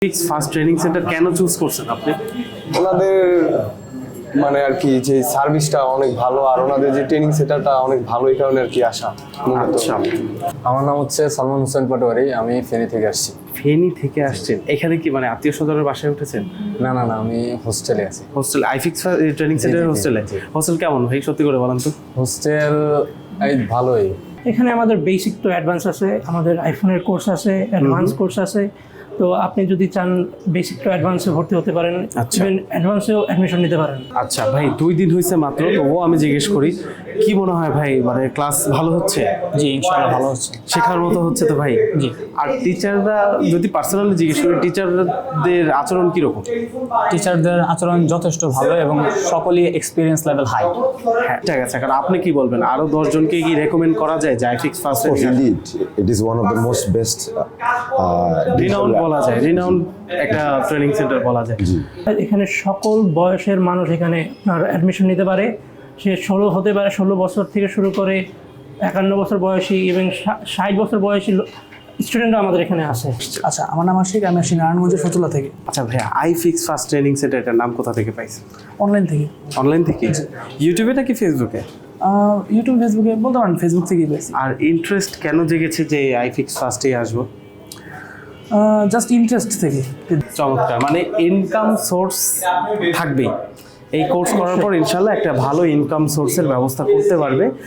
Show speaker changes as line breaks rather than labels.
Fix first training centre কেন choose করছেন আপনি?
ওনাদের মানে আর কি যে সার্ভিসটা অনেক ভালো আর ওনাদের যে ট্রেনিং সেন্টারটা অনেক ভালো, এই কারণে আর কি আসা।
আচ্ছা,
আমার নাম হচ্ছে সালমান হোসেন পাটোয়ারি, আমি ফেনী থেকে আসছি।
ফেনী থেকে আসছেন, এখানে কি মানে আত্মীয় স্বজনের বাসায় উঠেছেন?
না না না, আমি হোস্টেলে আছি।
হোস্টেল আইফিক্স ট্রেনিং
জি,
সেন্টারের
জি,
হোস্টেলে?
জি।
হোস্টেল কেমন ভাই, সত্যি করে বলেন তো?
হোস্টেল এই ভালোই।
এখানে আমাদের বেসিক তো অ্যাডভান্স আছে, আমাদের আইফোনের কোর্স আছে, অ্যাডভান্স কোর্স আছে। তো আপনি যদি চান বেসিক টু অ্যাডভান্সে ভর্তি হতে পারেন,
আচ্ছা।
ইভেন অ্যাডভান্সেও অ্যাডমিশন নিতে পারেন।
আচ্ছা ভাই, 2 দিন হয়েছে মাত্র, তবুও আমি জিজ্ঞেস করি, কি মনে হয় ভাই, মানে ক্লাস ভালো হচ্ছে?
জি, ইনশাআল্লাহ ভালো হচ্ছে।
শেখার মতো হচ্ছে তো ভাই?
জি।
আর টিচাররা, যদি পার্সোনালি জিজ্ঞেস করি, টিচারদের আচরণ কিরকম?
টিচারদের আচরণ যথেষ্ট ভালো এবং সকলেই এক্সপিরিয়েন্স লেভেল হাই।
হ্যাঁ ঠিক আছে, কারণ আপনি কি বলবেন, আরো 10 জনকে কি রেকমেন্ড করা যায় যে iFix first?
Of course, indeed, it is one of the most best.
Renowned বলা যায়, রিনাউন্ড একটা ট্রেনিং সেন্টার বলা যায়।
এখানে সকল বয়সের মানুষ এখানে আপনার অ্যাডমিশন নিতে পারে। সে 16 হতে পারে, 16 বছর থেকে শুরু করে 51 বছর বয়সী এবং 60 বছর বয়সী স্টুডেন্টরা আমাদের এখানে আছে।
আচ্ছা, আমার নাম আশিক, আমি আসি নারায়ণগঞ্জের ফতুল্লা থেকে,
আচ্ছা ভাইয়া, আইফিক্স ফার্স্ট ট্রেনিং সেন্টারটার নাম কোথা থেকে পাইছেন?
অনলাইন থেকে।
অনলাইন থেকে? ইউটিউবে নাকি ফেসবুকে?
ইউটিউব, ফেসবুকে বলতে পারেন, ফেসবুক থেকেই পেয়েছি।
আর ইন্টারেস্ট কেন জেগেছে যে আইফিক্স ফার্স্টেই আসবো?
জাস্ট ইন্টারেস্ট থেকে।
চমৎকার, মানে ইনকাম সোর্স থাকবেই। এই কোর্স করার পর ইনশাল্লাহ একটা ভালো ইনকাম সোর্সের ব্যবস্থা করতে পারবে।